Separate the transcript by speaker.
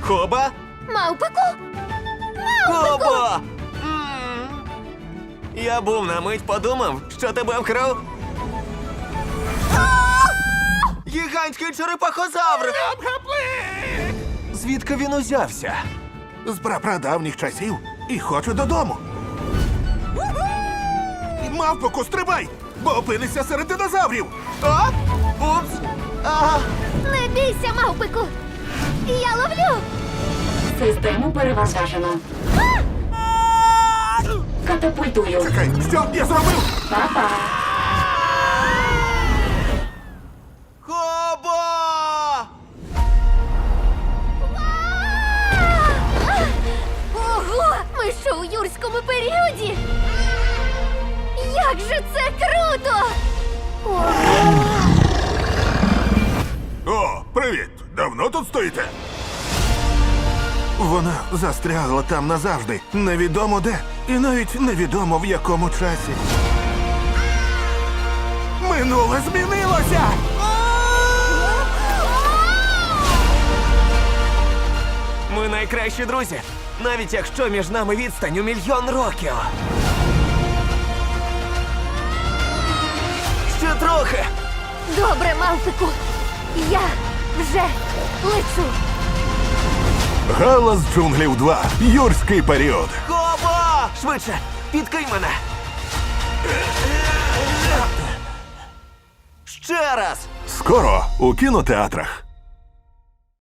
Speaker 1: Коба?
Speaker 2: Мавпику?
Speaker 1: Кобо! Я був на мить подумав, що тебе вкрав. Гігантський черепахозавр! Звідки він узявся?
Speaker 3: З прапрадавніх часів і хочу додому. Мавпоку, стрибай, бо опинишся серед динозаврів.
Speaker 1: А? Упс!
Speaker 2: Не бійся, мавпику! Я ловлю!
Speaker 4: Систему перевантажено. Катапультую.
Speaker 3: Чекай, що я зробив?
Speaker 4: Па-па.
Speaker 1: Кобо!
Speaker 2: Ого! Ми що у юрському періоді? Як же це круто! Ого!
Speaker 3: О, привіт! Давно тут стоїте? Вона застрягла там назавжди. Невідомо де. І навіть невідомо в якому часі. Минуле змінилося!
Speaker 1: Ми найкращі друзі, навіть якщо між нами відстань у 1 мільйон років. Ще трохи.
Speaker 2: Добре, мавпику! Я вже лечу!
Speaker 3: Галас джунглів 2. Юрський період.
Speaker 1: Кобо! Швидше, підкинь мене. Ще раз.
Speaker 3: Скоро у кінотеатрах.